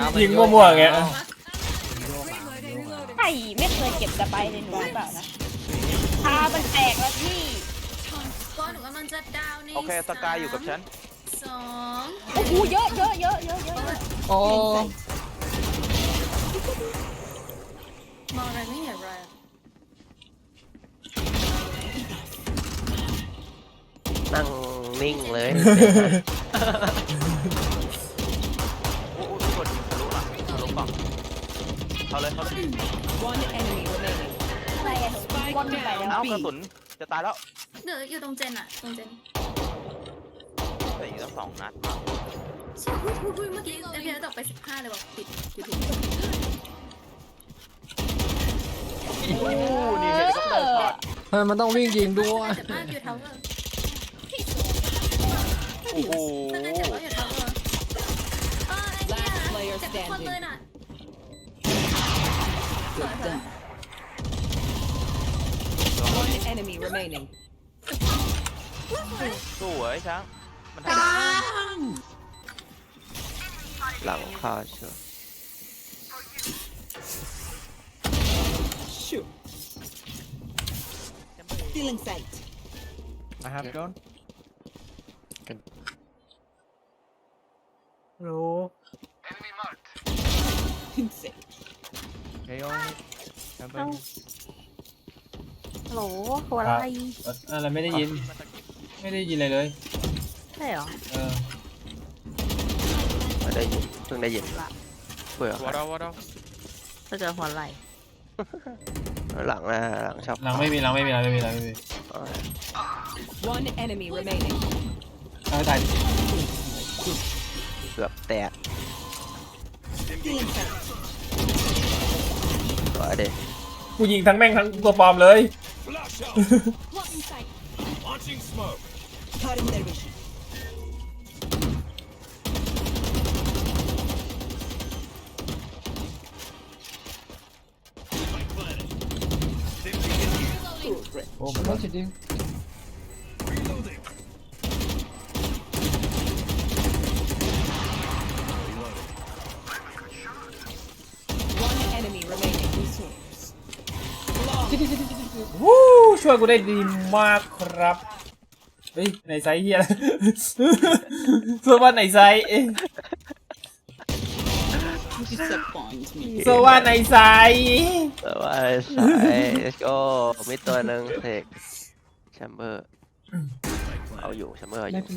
ยิงมั่วๆอย่างเงี้ยไข่ไม่เคยเก็บสไปเลยหนูหรือเปล่านะตามันแตกแล้วพี่ก็หนูกำลังจะดาวในโอเคสกายอยู่กับฉันสองโอ้โหเยอะเยอะเยอะเยอะเยอะโอ้มองอะไรไม่เห็นเลยนั่งนิ่งเลยโอ้โหทุกคนทะลุหลังทะลุกล่องเขาเลย One enemy remaining. อะไรอะหนูบอลไปแล้วเอ้ากระสุนจะตายแล้วเดี๋ยวอยู่ตรงเจนอะตรงเจนแต่อีกตั้ง2 นัดอุ้ยเมื่อกี้เอพีเอตกไป15เลยบอกติดยูทูบโอ้นี่เฮลิคอปเตอร์ช็อตทำไมมันต้องวิ่งยิงด้วยเจ็บมากอยู่ทาวเวอร์โอ้โหถ้าเจ็บก็อยู่ทาวเวอร์ไอ้เนี่ยเจ็บทุกคนเลยน่ะสวย One enemy remaining. สวยช้างมันทหลังคาเชียว Shoot. Feeling sight. I have drone. Hello. Insane. Hey, on. Heaven. ฮัลโหลตัวอะไรอะไรไม่ได้ยิน ไม่ได้ยินอะไรเลยใช่เหรอเออไม่ได้ยินเพิ่งได้ยินเบื่อำวอร์ดวอร์ดก็เจอหัวไหล่หลังนะหลังชอบหลังไม่มีหลังไม่มีหลังไม่มีหลังไม่มี One enemy remaining. เอาให้ตายดิเกือบแตก Feeling sight. สวยเด็กูยิงทั้งแม่งทั้งตัวปลอมเลย Blocking sight. Launching smoke. Cutting their vision. โอ้มันจะดิ้ง One enemy remaining. วู้ช่วยกูได้ดีมากครับ เฮ้ยไหนไซส์เฮียเสื้อว่าไหนไซส์ Disappoint me. เสื้อว่าไหนไซส์แต่ว่าสาย let's go มีตัวหนึ่งเทคแชมเบอร์เอาอยู่แชมเบอร์เอาอยู่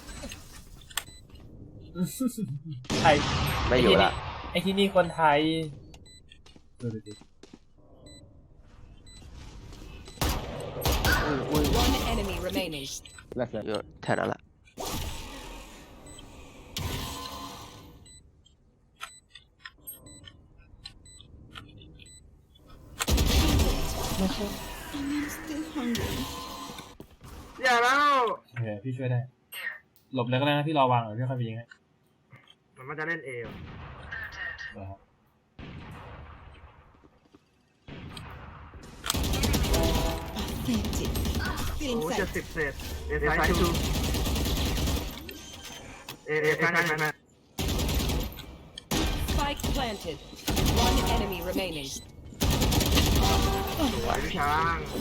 ไทยไม่อยู่ละไอที่นี่คนไทยดูดิ One enemy remaining. อยู่แถวนั้นละอย่าแล้วโอเคพี่ช่วยได้ หลบแล้วก็ได้นะพี่รอวางหน่อยพี่ค่อยไปยิงให้มันจะเล่นเอวเดี๋ยวครับ Authentic. โอ้ Feeling จะ sight. 10 เศษเอไซชูเอไซนะ Spike planted. One enemy remaining. ไหวพี่ช้าง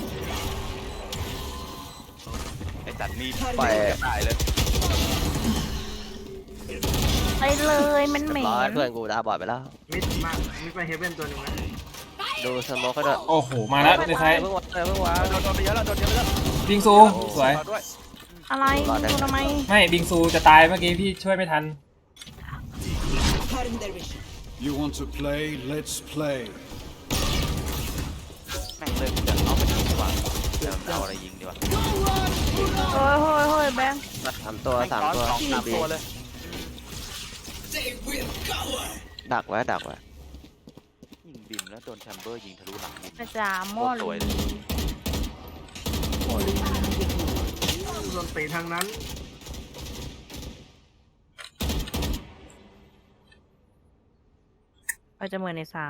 ไอ้สัตว์มีไปตายเลยไปเลยมันเหม็เรียบร้อยนเพื่อนกูตาบอดไปแล้วมิดมามิดไปเฮเว่นตัวหนึ่งนะดูสโมกก็ด้วยโอ้โหมาแล้วในไซส์เพิ่งวางเพิ่งวางโดนไปเยอะแล้วโดนเยอะแล้วบิงซูสวยเอาด้วยอะไรดูทำไมไม่บิงซูจะตายเมื่อกี้พี่ช่วยไม่ทัน Cutting their vision. You want to play? Let's play. แม่งเลยจะเอาไปยิงดีกว่าเดี๋ยวเอาอะไรยิงดีกว่าโอ้ยโอ้ยโอ้ยแบงค์สามตัวสามตัวสองสามตัวเลยดักไว้ดักไว้ยิงบิมแล้วโดนแชมเบอร์ยิงทะลุหลังบิมกระจาหม้อโคตรสวยลีเลยโดนตีทางนั้นเราจะเหมือนใน3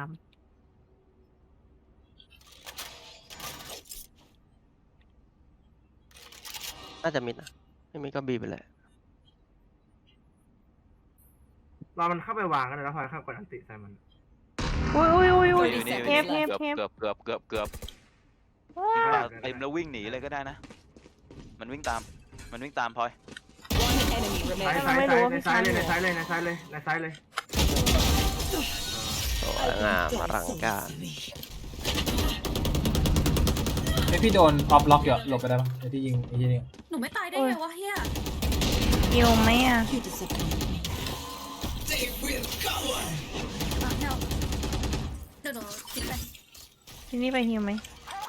น่าจะมิดนะไม่มิดก็บีไปเลยรอมันเข้าไปวางกันแล้วพอเข้ากดอันติใส่มันอุ้ยอยู่นี่เทปเกือบเต็มแล้ววิ่งหนีเลยก็ได้นะ มันวิ่งตามพลอย One enemy ซ้าย remaining. ซ้ายซ้ายในซ้ายเลยในซ้ายเลยในซ้ายเลยในซ้ายเลยสวยงามอลังการไอพี่โดนออฟล็อกอยู่อะหลบไปได้ปะไอที่ยิงไอที่นี่หนูไม่ตายได้ไงวะเฮียยิวไหมอ่ะเดี๋ยวหนูคิดไปที่นี่ไปฮิวไหม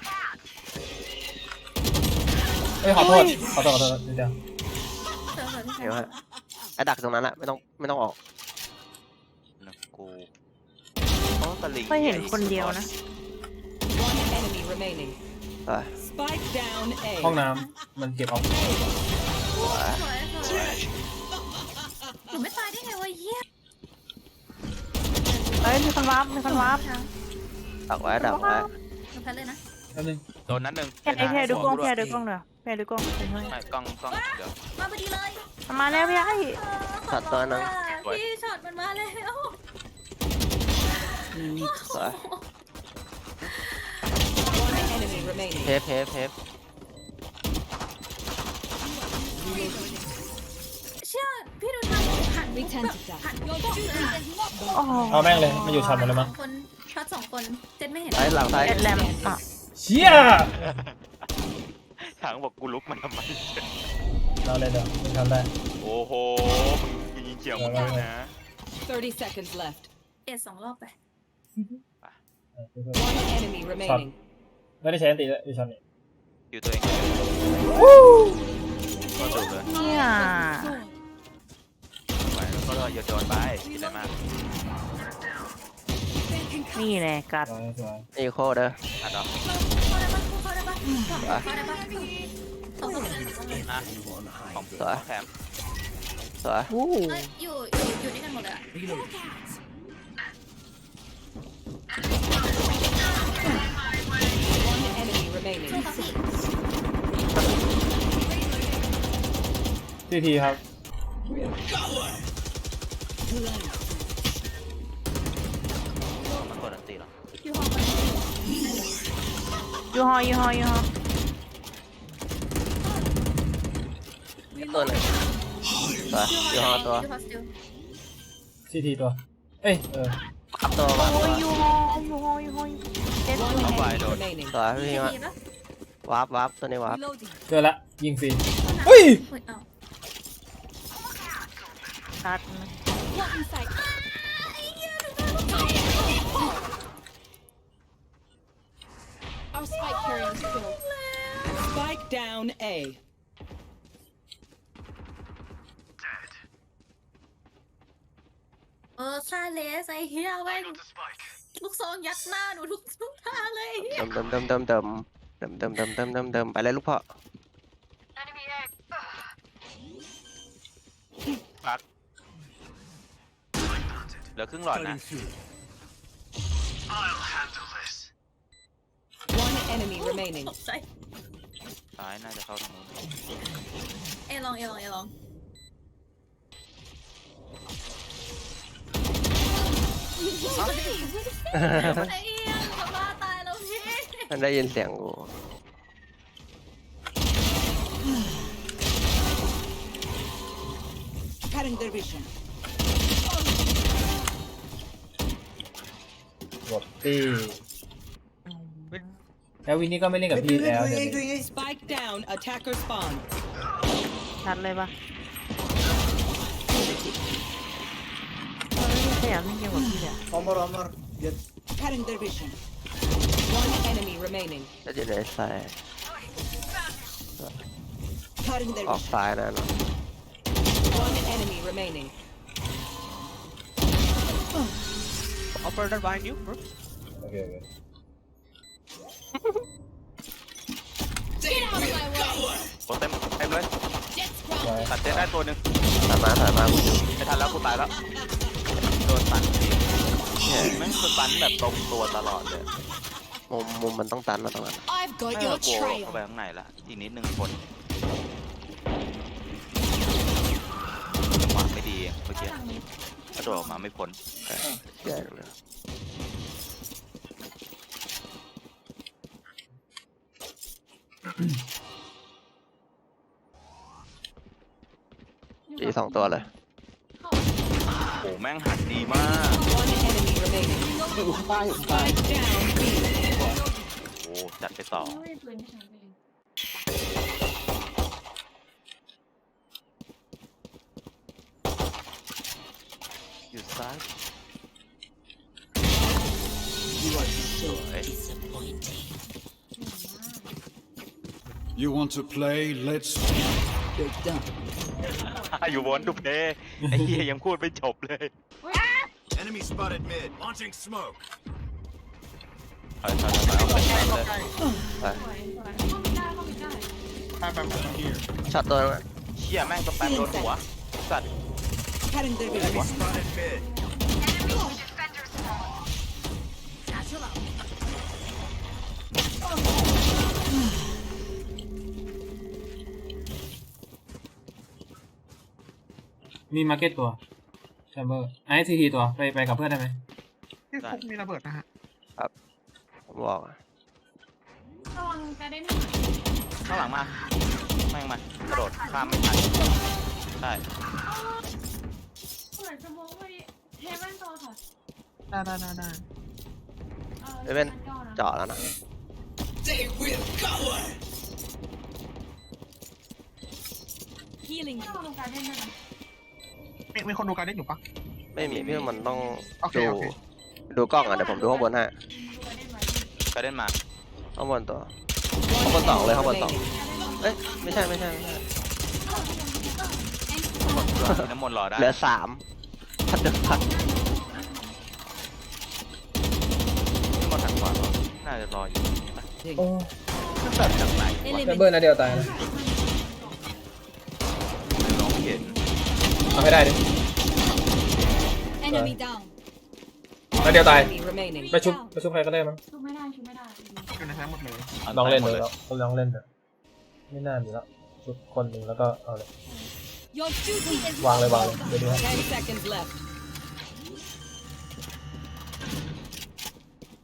เอ้ยขอโทษเดี๋ยวเดี๋ยวเดี๋ยวฮะไอ้ดักตรงนั้นแหละไม่ต้องออกนะกูโอ้ตะลิงไม่เห็นคนเดียวนะ One enemy remaining. ไป Spike down ห้อง A. น้ำมันเก็บออฟสวยหนูไม่ตายได้ไงวะเฮียเอ้ยมีคนวาร์ปดักไว้หนูแพ้เลยนะแป๊บนึงโดนนัดหนึ่งแพรดูกล้องเดี๋ยวแพรดูกล้องไม่กล้องเดี๋ยวมาพอดีเลยมาแล้วพี่ไอ้ช็อตตัวนึงพี่ช็อตมันมาแล้วสวย One enemy remaining. เทปเชื่อพี่ดูทางหันหันกล้องเลยโอ้โหเอาแม่งเลยมันอยู่ช็อตหมดเลยมั้งคนช็อตสองคนเจ็ดไม่เห็นซ้ายหลังซ้ายเอ็ดแรมอ่ะเชี่ยทางบอกกูลุกมันทำไมเราเลยเดี๋ยวมึงทำได้โอ้โหมึงยิงเฉียวมึงเลยนะ 30 seconds left. เอ็ดสองรอบไป One enemy remaining. ไม่ได้ใช้อันติเลยอยู่ช็อตนี้อยู่ตัวเองก็ดูเลยเนี่ยไปแล้วก็โยนไปคิดอะไรมากนี่แหละกัดสวยนี่โคเด้ออ่ะเนาะเข้าได้ปะเข้าได้ปะเข้าได้ปะสองคนอ่ะของแถมสวยวู้อยู่ด้วยกันหมดเลยอะ One enemy remaining. พี่ทีครับมันกดอันตีหรออยู่ห้องกันยูฮอตัวหนึ่งสวยอยู่ห้องตัวอยู่ฮอสติลซีทีตัวเอ้ยขับตัวมาโอ้ยยูฮอเจ็ด One enemy remaining. สวยพี่ทีมาปะวาร์ปตัวนี้วาร์ปเจอละยิงฟรีอุ้ยเฮ้ยเอ้ากัด Spike down A. ชาเลสไอ้เฮียแม่งลูกซองยัดหน้าหนูทุกท่าเลยเดิมไปเลยลูกพ่อปักเหลือครึ่งหลอดนะ One enemy remaining. ตกใจซ้ายน่าจะเข้าทางนู้นเอลองไอ้เฮียจะบ้าตายแล้วพี่มันได้ยินเสียงกูกดตีแล้ววินนี่ก็ไม่เล่นกับพี่แล้วเดี๋ยวนี้ Spike down. Attacker spawn. ชัดเลยปะไม่ขยันไม่เกี่ยวกับพี่อ่ะ One enemy remaining. จะอยู่ในซ้ายออกซ้ายนะเนาะ One enemy remaining. Operator behind you bro โอเคโอ้เต็มเลยสวยตัดเจ็ดได้ตัวหนึ่งถอยมากูอยู่ไม่ทันแล้วกูตายแล้วโดนตันแม่งคือตันแบบตรงตัวตลอดเลยมุมมันต้องตันนะตรงนั้นไม่กลัวเข้าไปข้างในละอีกนิดนึงคนจังหวะไม่ดีเมื่อกี้ทางนี้กระโดดออกมาไม่พ้นแย่เลยอีสองตัวเลยโอ้แม่งหันดีมาก One enemy remaining. อยู่ข้างใต้อยู่ข้างใต้ Spike down B. โอ้จัดไปต่อไม่ปืนไม่ใช้ไปเลยอยู่ซ้าย You are สวย You want to play? Let's. You want to play ไอ้เหี้ยยังพูดไม่จบเลย Enemy spotted mid. Launching smoke. ถอยเอาไปเลยสวยสวยเข้าไม่ได้เข้าไม่ได้ช็อตตัวนึงอะเชี่ยแม่งสแปมโดนหัวสัตว์ Enemy spotted mid. มีมาร์เก็ตตัวแชมเบอร์ไอ้ทีทีตัวไปกับเพื่อนได้ไหมที่คุกมีระเบิดนะฮะผมบอกอะระวังกระเด็นข้างหลังมาแม่งมากระโดดข้ามไม่ทันใช่เปิดสมองไปเฮเว่นตัวค่ะได้เดี๋ยวเป็นเจาะแล้วนะ Healing เข้าตรงกลางได้ไหมมีคนดูการได้อยู่ปะไม่มีพี่มันต้องโอเคดูโอเคดูกล้องอ่ะเดี๋ยวผมดูข้างบนให้ดูกระเด็นไว้กระเด็นมาข้างบนตัว ข้างบนสองเลยข้างบนสองเอ้ยไม่ใช่น้ำมนต์รอได้เหลือสามพันเดือพันน้ำมนต์ทางขวาเหรอน่าจะรออยู่โอ้แบบจากไหนแชมเบอร์นัดเดียวตายนะลองเห็นเอาให้ได้ดิ Enemy down นัดเดียวตาย Enemy remaining. ไปชุบใครก็ได้มั้งชุบไม่ได้ชุบไม่ได้อยู่ในซ้ายหมดเลยลองเล่นเลยลองเล่นเถอะไม่น่ามีแล้วชุบคนหนึ่งแล้วก็เอาเลย Your duty is วางเลยเดี๋ยวดูให้ 10 seconds left.